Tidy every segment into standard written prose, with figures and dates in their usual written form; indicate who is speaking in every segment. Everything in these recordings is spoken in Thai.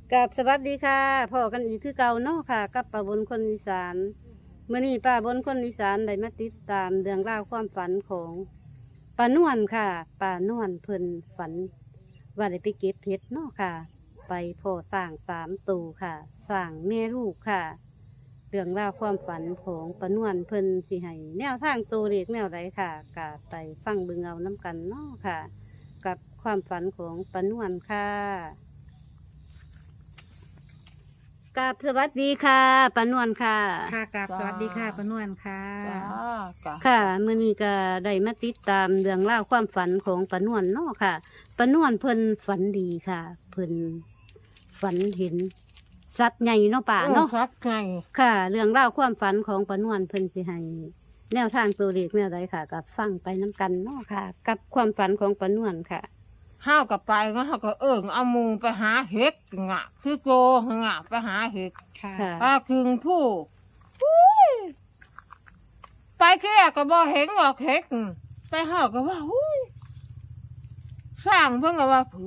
Speaker 1: กับสวัสดีค่ะพ่อกันอีกคือเก่าเนาะค่ะกับป้าบนคนอีสานเมื่อนี้ป้าบนคนอีสานได้มาติดตามเรื่องราวความฝันของป้านวลค่ะป้านวลเพิ่นฝันว่าได้ไปเก็บเพชรเนาะค่ะ ไปพ่อสร้าง3 ตัวค่ะสร้างแม่ลูกค่ะเรื่องราวความฝันของป้านวลเพิ่นสิให้แนวทางตัวเล็กแนวไรค่ะก็ไปฟังเบิ่งเอาน้กันเนาะค่ะ กับความฝันของป้านวลค่ะกับสวัสดีค่ะป้านวลค่ะ
Speaker 2: ค่ะกับสวัสดีค่ะปานวลค่ะ
Speaker 3: จ้า
Speaker 1: ค่ะมื้อนี้ก็ได้มาติดตามเรื่องราวความฝันของป้านวลเนาะค่ะป้านวลเพิ่นฝันดีค่ะ เพิ่นฝันเห็นสัตว์ใหญ่เนาะป่าเนาะ
Speaker 3: ชัดไง
Speaker 1: ค่ะ เรื่องราวความฝันของป้านวลเพิ่นสิให้แนวทางตัวเลขแนวใดค่ะกับฟังไปน้กันเนาะค่ะ กับความฝันของป้านวลค่ะ
Speaker 3: ห้าวกับไปก็ห้าวก็เอามูไปหาเห็ดงะคือโกงะไปหาเห็ด
Speaker 2: ค่ะ
Speaker 1: ค่ะ
Speaker 3: ปลาคึงผู้อุ้ยไปแค่ก็บ่เห็นหรอกเห็ดไปห้าวก็ว่าอุ้ยสร้างเพิ่งก็ว่าเผื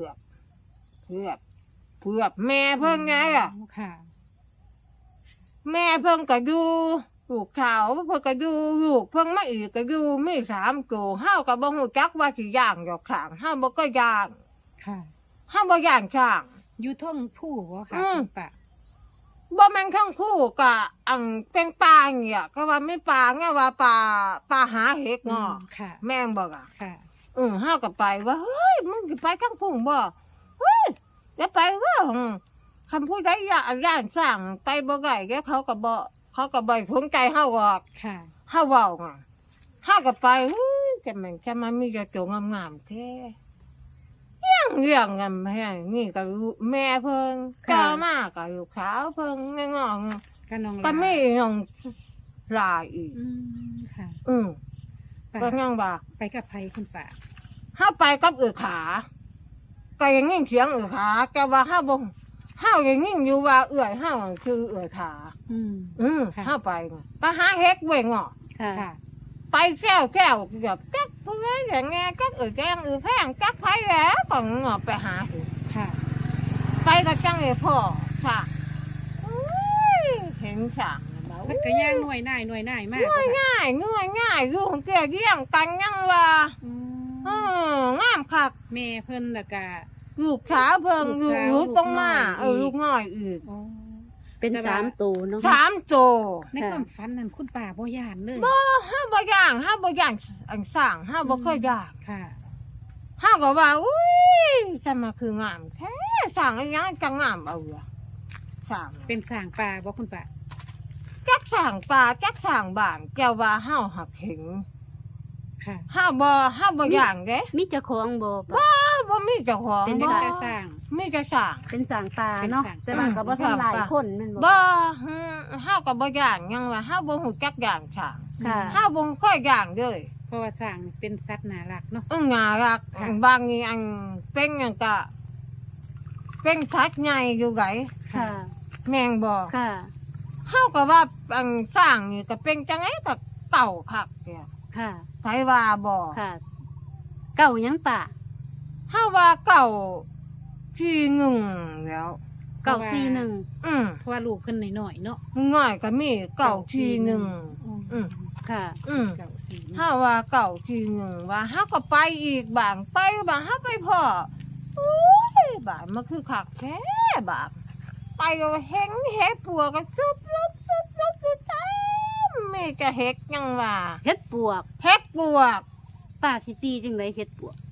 Speaker 3: อกแม่เพิ่งไงอ่ะ
Speaker 2: ค่ะ
Speaker 3: แม่เพิ่งก็อยู่ลูกขาวเพิ่งก็อยู่ลูกเพิ่งไม่อีกก็อยู่ไม่3 ตัวห้าวก็บ่ฮู้จักว่าสิย่างหยอกขางห้าวบ่ก็ย่าง
Speaker 2: ค่ะ
Speaker 3: ห้าวบ่ย่างข้าง
Speaker 2: อยู่ท่องผู้บ่ค่ะ
Speaker 3: อืม
Speaker 2: คุณป้า
Speaker 3: บ่แม่นข้างคู่กะอังเป็นปลาเนี่ยก็ว่าไม่ปลาไงว่าปลาหาเห็ดเนาะ
Speaker 2: ค่ะ
Speaker 3: แม่งบอกอ่ะ
Speaker 2: ค่ะ
Speaker 3: ห้าวก็ไปว่าเฮ้ยมึงสิไปข้างพุ่งบ่เฮ้ยจะไปว่าคำพูดได้ย่านสร้างไปบ่ได้แกเขาก็บ่สนใจเฮาหรอก
Speaker 2: ค่ะ
Speaker 3: เฮาเว้าอ่ะเฮาก็ไปเฮ้ยจะแม่งจะมามีกระโจงงามๆแท้เรื่องกันแม่นี่ก็รู้แม่เพิ่น
Speaker 1: ค่ะ
Speaker 3: ก็มาก็ลูกสาวเพิ่นงอง
Speaker 2: ก็น้อง
Speaker 3: ก็ไม่
Speaker 2: ลา
Speaker 3: น้องลาอีก
Speaker 2: ค่ะ
Speaker 3: อืม
Speaker 2: ป้า
Speaker 3: ก็ยังว่า
Speaker 2: ไปกับไผคุณป้า
Speaker 3: ห้าไปกับขาก็ยังยิ่งเสียงขาแกว่าห้าบ่ห้ายังยิ่งอยู่ว่าห้าคือขา
Speaker 2: อืม ค่ะ
Speaker 3: ห้าไปไปหาเฮ็ดเว้ยงอ
Speaker 1: ค่ะ
Speaker 2: ค่ะ
Speaker 3: ไปแก้วแบบจักเพื่อนอย่างเงี้ยจักแกงแพงจักไผแล้วก็งอไปหาเฮ็ด
Speaker 2: ค่ะ
Speaker 3: ไปกับจังเลยพ่อค่ะอุ้ยเห็นฉากแล้ว
Speaker 2: มันก็ย่างหน่วยหน่ายมาก
Speaker 3: ง่ายอยู่ของแกเยี่ยงกันยังว่า
Speaker 2: อื
Speaker 3: เอองามคัก
Speaker 2: แม่เพิ่นแล้วก็
Speaker 3: ลูกสาวเพิ่ง
Speaker 2: ลูกสาว
Speaker 3: ลูกต้องมา
Speaker 2: ลูกน้อยอีก
Speaker 3: ลูกน้อยอีก
Speaker 2: โอ้
Speaker 1: เป็น
Speaker 2: แต่ว่า
Speaker 1: 3 ตัวเนาะ
Speaker 3: 3 ตัว
Speaker 2: ในความฝันนั้นคุณป้าบ่ย่านเลย
Speaker 3: ห้าบ่ย่างอันสร้างห้าบ่เคยย่าง
Speaker 2: ค่ะ
Speaker 3: ห้าก็ว่าอุ้ยจะมาคืองามแท้สร้างอันยังจะงามเอาอะสร้าง
Speaker 2: เป็นสร้างป่าบ่คุณป้า
Speaker 3: จักสร้างป่าจักสร้างบ้านแกว่าห้าหักเห็น
Speaker 2: ค่ะ
Speaker 3: ห้าบ่ย่างเด้
Speaker 1: มีเจ้าของบ่ปะ
Speaker 3: บ่มีเจ้าของ
Speaker 1: เป็น
Speaker 2: เป็น
Speaker 3: บ่
Speaker 2: แต่สร้าง
Speaker 3: มีแต่สร้าง
Speaker 1: เป็นสางปลาเนาะ
Speaker 2: เป็นสาง
Speaker 1: แต่ว่าก็บ่ทำลายคนแม่นบ่
Speaker 3: บ่ห้าก็บ่ย่างยังว่าห้าบ่ฮู้จักย่างสร้าง
Speaker 1: ค่ะ
Speaker 3: ห้าบ่ค่อยย่างเด้อ
Speaker 2: เพราะว่าสร้างเป็นสัตว์น่ารักเนาะ
Speaker 3: งารัก
Speaker 2: ค่ะ
Speaker 3: บางทีอันเป็นอย่างกะเป็นชัดใหญ่อยู่ไง
Speaker 1: ค่ะ
Speaker 3: แมงบอก
Speaker 1: ค่ะ
Speaker 3: เข้ากับว่าอันสร้างนี่ก็เป็นจังไงก็เก่าคักเนี่ย
Speaker 1: ค่ะ
Speaker 3: ไผว่าบอก
Speaker 1: ค่ะ เก่าหยังป่า
Speaker 3: เข้าว่าเก่าที่หนึ่งแล้ว
Speaker 1: เก่า4-1
Speaker 2: เพราะว่าลูกเพิ่นน้อยๆเนาะ
Speaker 3: ง่ายก็มีเก่าที่หนึ่ง อืม
Speaker 1: ค่ะ
Speaker 2: เก่าสี
Speaker 3: ถ้าว่าเก่าที่หนึ่งว่าห้าก็ไปอีกบางไปบางห้าไปพ่อโอ้ยบางมันคือคักแท้บาง ไปก็เห็นเห็ดปัวก็ซุบเต็มไม่จะเห็ดยังว่า
Speaker 1: เฮ็ดปวก
Speaker 3: เห็ดปวก
Speaker 1: ป้าสิตีจังไดเฮ็ดปวก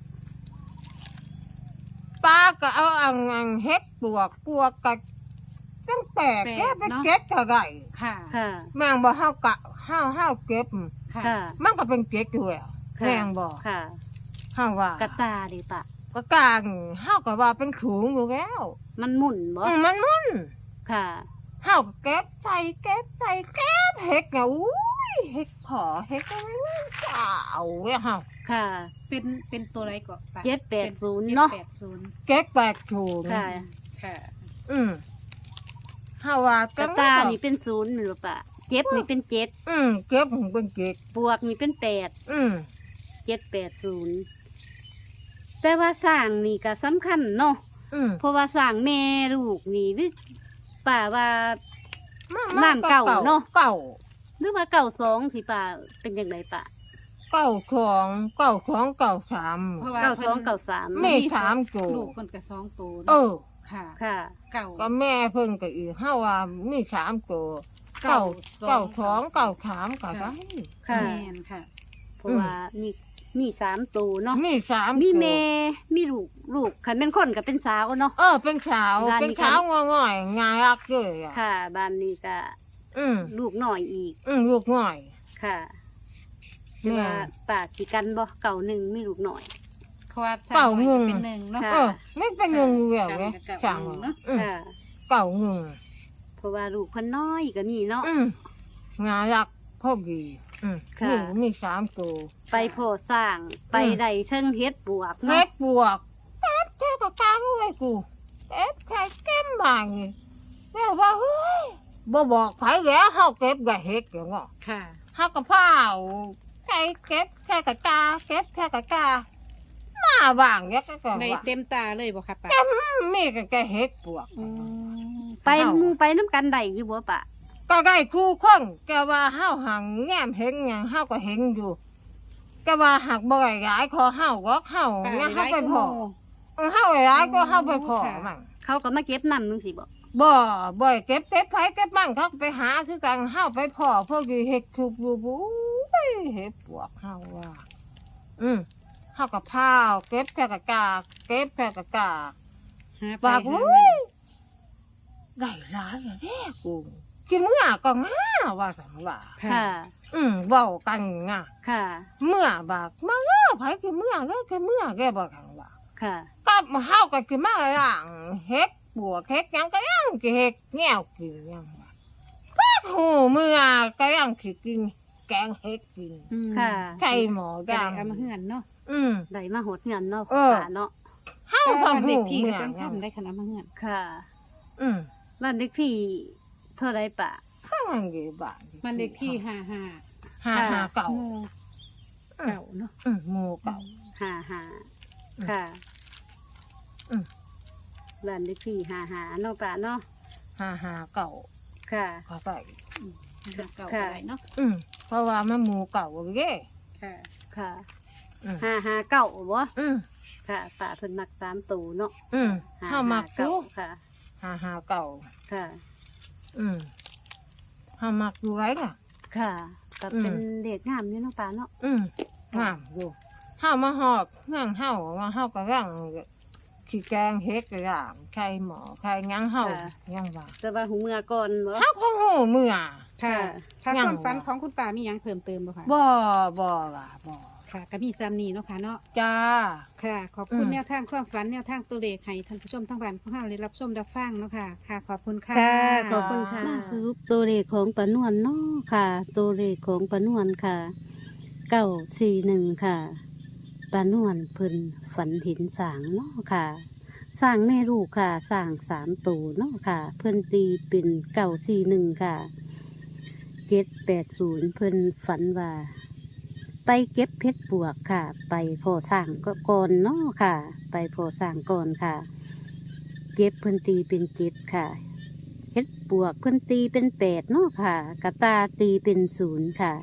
Speaker 3: ป้าก็เอาเห็ดปวกก็ตั้งแต่แกไปเก็บเท่าไหร่
Speaker 2: ค่ะ
Speaker 1: ค่ะ
Speaker 3: แมงบ่เฮากะเฮาเก็บ
Speaker 2: ค่ะ
Speaker 1: ค่ะ
Speaker 3: มันก็เป็นเก็บอยู่แล้ว
Speaker 1: ค่ะ
Speaker 3: แมงบ่
Speaker 1: ค่ะ
Speaker 3: เฮาว่าก
Speaker 1: ระตาดิป่ะ
Speaker 3: ก็กลางเฮาก็ว่าเป็นถุงอยู่แล้ว
Speaker 1: มันหมุนบ่
Speaker 3: มัน
Speaker 1: ค่ะ
Speaker 3: เฮาก็เก็บใส่เก็บเห็ดเนี่ยอุ้ยเห็ดขอเห็ดอะไรเจ้าเว้ยเฮา
Speaker 1: ค่ะ
Speaker 2: เป็นตัวอะไรก็ป้า
Speaker 1: 780เนาะ
Speaker 2: 780
Speaker 3: เก็บแปดถุง
Speaker 1: ค่ะ
Speaker 2: ค่ะ
Speaker 3: เฮาว่าก
Speaker 1: ระตานี่เป็น0แม่นบ่ป่ะเจ็บนี่เป็น7
Speaker 3: เก็บของเป็นเก็บ
Speaker 1: ปวกนี่เป็น8
Speaker 3: อืม
Speaker 1: 780แต่ว่าสร้างนี่ก็สำคัญเนาะเพราะว่าสร้างแม่ลูกนี่หรือป่าว่า
Speaker 3: มา
Speaker 1: น้ำเก่าเนาะ
Speaker 3: เก่า
Speaker 1: หรือว่าเก่าสองที่ป่าเป็นยังไงป่า
Speaker 3: เก่าของเก่าของเก่าสาม
Speaker 2: เพราะว่า
Speaker 1: เก่าสอง
Speaker 2: พิ่น
Speaker 1: เก่าสาม
Speaker 3: แม่ถามโจ
Speaker 2: ลูกคนกับสองตัว
Speaker 3: เอ
Speaker 2: เนาะ
Speaker 3: อ
Speaker 2: ค่ะ
Speaker 1: ค่ะ
Speaker 2: เก่า
Speaker 3: ก็แม่เพิ่นก็อีกเฮาว่ามีสามตัวเก่าเก่าสองเก่าสามก็ได้
Speaker 1: ค่ะ
Speaker 2: แม่นค่ะ
Speaker 1: เพราะว่ามีสามตัวเนาะ
Speaker 3: มีสาม
Speaker 1: มี
Speaker 3: ตัว
Speaker 1: แม่มีลูกคันเป็นคนกับเป็นสาวเนาะ
Speaker 3: เป็นสาว
Speaker 1: บ้านนี้
Speaker 3: เป็นสาวง่อยๆงายอักเลยอ่ะ
Speaker 1: ค่ะบ้านนี้ก็
Speaker 3: อืม
Speaker 1: ลูกหน่อยอีก
Speaker 3: ลูกง่อย
Speaker 1: ค่ะ
Speaker 3: แม่
Speaker 1: แต่ว่าป่าสิกันบ่เก่าหนึ่งมีลูกหน่อย
Speaker 2: เพราะว่า
Speaker 3: เก่า
Speaker 2: ห
Speaker 3: ง
Speaker 2: น่อย
Speaker 3: ง
Speaker 2: เป็นหนึ่งเนาะ
Speaker 1: ค่ะ
Speaker 3: ไม่เป็นเงินเหี่ยวไง
Speaker 2: เก่า
Speaker 3: สั่ง
Speaker 2: เนาะ
Speaker 1: ค่ะ
Speaker 3: เก่าเงิน
Speaker 1: เพราะว่าลูกเพิ่นน้อยก็มีเนาะ
Speaker 3: งายอักพอดี
Speaker 1: ค่ะ
Speaker 3: ลูกมีสามตัว
Speaker 1: ไปโพอสร้างไปได้เทิงเฮ็ดบวก
Speaker 3: เฮ็
Speaker 1: เนาะ
Speaker 3: ดบวกแป๊บเท่ากับกลางเลยกูเก็บไข่เก็มบางนี่แม่ว่าเฮ้ยบ่บอกไผแล้วเฮาเก็บก็เฮ็ดอย่างเงาะ
Speaker 2: ค่ะ
Speaker 3: เฮาก็พาวไข่เก็บแค่กะกาเก็บแค่กะกามาบางเนี่ยก็
Speaker 2: ใน
Speaker 3: ว่า
Speaker 2: เต็มตาเลยบ่ค่ะป้า
Speaker 3: มีก็แกเฮ็ดบวก
Speaker 2: อืม
Speaker 1: ไปหมู่ไปน้ำกันได้อยู่บ่ปะ
Speaker 3: ก็ได้คู่คนแกว่าเฮาหังแง้มเห็นหยังเฮาก็เห็นอยู่แกว่าหักบ่ได้หลายขอเฮาก็เฮา
Speaker 2: ป้า
Speaker 3: งั้นเฮา
Speaker 2: ได้
Speaker 3: ไป
Speaker 2: คู่
Speaker 3: พอเฮาหลายก็เฮาไปพอ
Speaker 2: ค่ะ
Speaker 3: มั่ง
Speaker 1: เขาก็มาเก็บนำจังซี่บ่
Speaker 3: บ่เก็บไผเก็บมั่งเขาก็ไปหาคือกันเฮาไปพอพวกอยู่เฮ็ดทุบอยู่บู๊ยเฮ็ดปวกเฮาว่าเฮาก็พาวเก็บแค่กะกาเก็บแค่กะกา
Speaker 2: หาไป
Speaker 3: ปาก
Speaker 2: หา
Speaker 3: อุ้
Speaker 2: มาย
Speaker 3: ได้หลายแล้วเด้กูกินมื้อก็ง่าว่าซั่นว่า
Speaker 1: ค่ะ
Speaker 3: เว้ากันง่า
Speaker 1: ค่ะ
Speaker 3: เมื่อบากมาไผคือเมื่อแกเมื่อแกบ่กันว่า
Speaker 1: ค่ะ
Speaker 3: กับเฮาก็คือมาย่างเฮ็ดบัวเฮ็ดหยังก็ยังสิเฮ็ดแนวกินยังว่าพักหูเมื่อก็ยังสิกินแกงเฮ็ดกิน
Speaker 2: อืม
Speaker 1: ค่ะ
Speaker 3: ไก่หมอ
Speaker 2: ก็
Speaker 3: ดั
Speaker 2: ได้
Speaker 3: ง
Speaker 2: เอามาเฮือนเนาะ
Speaker 1: ได้มาหดเงินเนาะ
Speaker 3: เออ
Speaker 1: ป่าเนาะ
Speaker 3: เฮา
Speaker 2: แต่
Speaker 3: พั
Speaker 2: ว่าง บ้าน
Speaker 3: หู
Speaker 2: เด็กที่
Speaker 3: เมื่
Speaker 2: ก็
Speaker 3: อ
Speaker 2: สำคัญได้ขนาดมาเฮือน
Speaker 1: ค่ะ
Speaker 3: อืม
Speaker 1: บ้านเด็กที่เท่าไรปะ
Speaker 3: ข้างอยู่บ้าน
Speaker 2: บ้านเด็กที่55
Speaker 3: หาเก่า
Speaker 2: หมู่เก่าเนาะ
Speaker 3: หมู่เก่า
Speaker 1: หา
Speaker 3: อืม
Speaker 1: ค่ะ
Speaker 3: อืม
Speaker 1: บ้านเด็กที่หาเนาะป่าเนาะ
Speaker 3: หาเก่า
Speaker 1: ค่ะ
Speaker 3: ก็ไป
Speaker 2: หาเก่า
Speaker 1: ค่ะ
Speaker 2: อะไรเนาะ
Speaker 3: เพราะว่ามันหมู่เก่าเด้
Speaker 2: ค่ะ
Speaker 1: ค่ะ
Speaker 3: อืม
Speaker 1: หาเก่าบ่
Speaker 3: อืม
Speaker 1: ค่ะป่าเพิ่นมักสามตูเนาะ
Speaker 3: เฮามัก
Speaker 1: เก่า
Speaker 3: อยู่
Speaker 1: ค่ะ
Speaker 3: หาเก่า
Speaker 1: ค่ะ
Speaker 3: เฮามักอยู่ไรน่ะ
Speaker 1: ค่ะก็เป็น
Speaker 3: อืม
Speaker 1: เด็กงามนี่เนาะป่าเนาะ
Speaker 3: งามอยู่เฮามาหอกเงื่องเฮาว่าเฮาก็ร่างขี้แกงเฮ็ดก็ย่างไข่หมอไข่หยังเฮายังว่า
Speaker 1: แต่ว่าหูเมื่อก่อนบ่
Speaker 3: เฮาก็ฮู้เมื่อ
Speaker 2: ค่ะถ้า
Speaker 3: ยัง
Speaker 2: ความฝันของคุณป้ามีหยังเพิ่มเติมบ่คะ
Speaker 3: บ่ล่ะบ่
Speaker 2: ค่ะก็มีซ้ำนี้เนาะค่ะเนาะ
Speaker 3: จ้า
Speaker 2: ค่ะ ขอบคุณ
Speaker 3: อืม
Speaker 2: แนวทางความฝันแนวทางตัวเลขให้ท่านผู้ชมทั้งบ้านของเราได้รับชมรับฟังเนาะค่ะ ค่ะ ขอบคุณค่ะ
Speaker 1: ค่ะขอบคุณค่ะมาสรุปตัวเลขของปานวลเนาะค่ะ ตัวเลขของปานวลค่ะ941ค่ะปานวลเพิ่นฝันเห็นสางเนาะค่ะสร้างแม่ลูกค่ะสร้าง3ตัวเนาะค่ะ เพิ่นตีเป็น941ค่ะ780เพิ่นฝันว่า ไปเก็บเพชรบวกค่ะ ไปพอสร้างก็ก่อนเนาะค่ะ ไปพอสร้างก่อนค่ะ เก็บเพิ่นตีเป็น7ค่ะเพชรบวกเพิ่นตีเป็น8เนาะค่ะกระตาตีเป็น0ค่ะ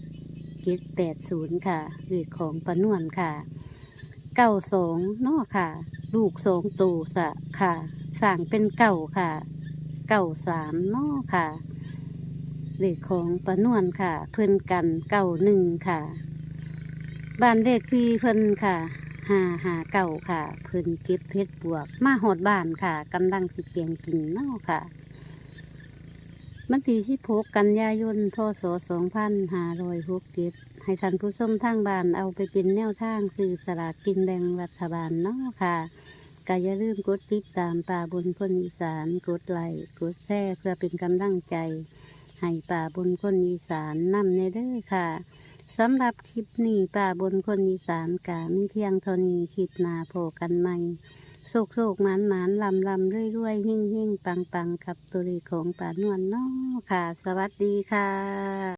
Speaker 1: 780ค่ะเลขของปานวลค่ะ92เนาะค่ะ ลูก2ตัวสะค่ะสร้างเป็น9ค่ะ93เนาะค่ะเลขของปานวลค่ะ เพิ่นกัน91ค่ะ บ้านเลขที่เพิ่นค่ะ559ค่ะ เพิ่นเก็บเพชรบวกมาหอดบ้านค่ะกำลังสิเกียงกินเนาะค่ะวันที่16กันยายนพศ2567ให้ท่านผู้ชมทางบ้านเอาไปเป็นแนวทางซื้อสลากกินแบ่งรัฐบาลเนาะค่ะก็อย่าลืมกดติดตามป่าบนคนอีสานกดไลค์กดแชร์เพื่อเป็นกำลังใจให้ป่าบนคนอีสานนำในเด้อค่ะสำหรับคลิปนี้ป่าบนคนอีสานกะมีเพียงเท่านี้คลิปหน้าโผกันใหม่โศกโศกหมานหมานลำลำด้วยด้วยหิ่งหิ่งปังปังกับตัวเลขของป่านวลเนาะค่ะ สวัสดีค่ะ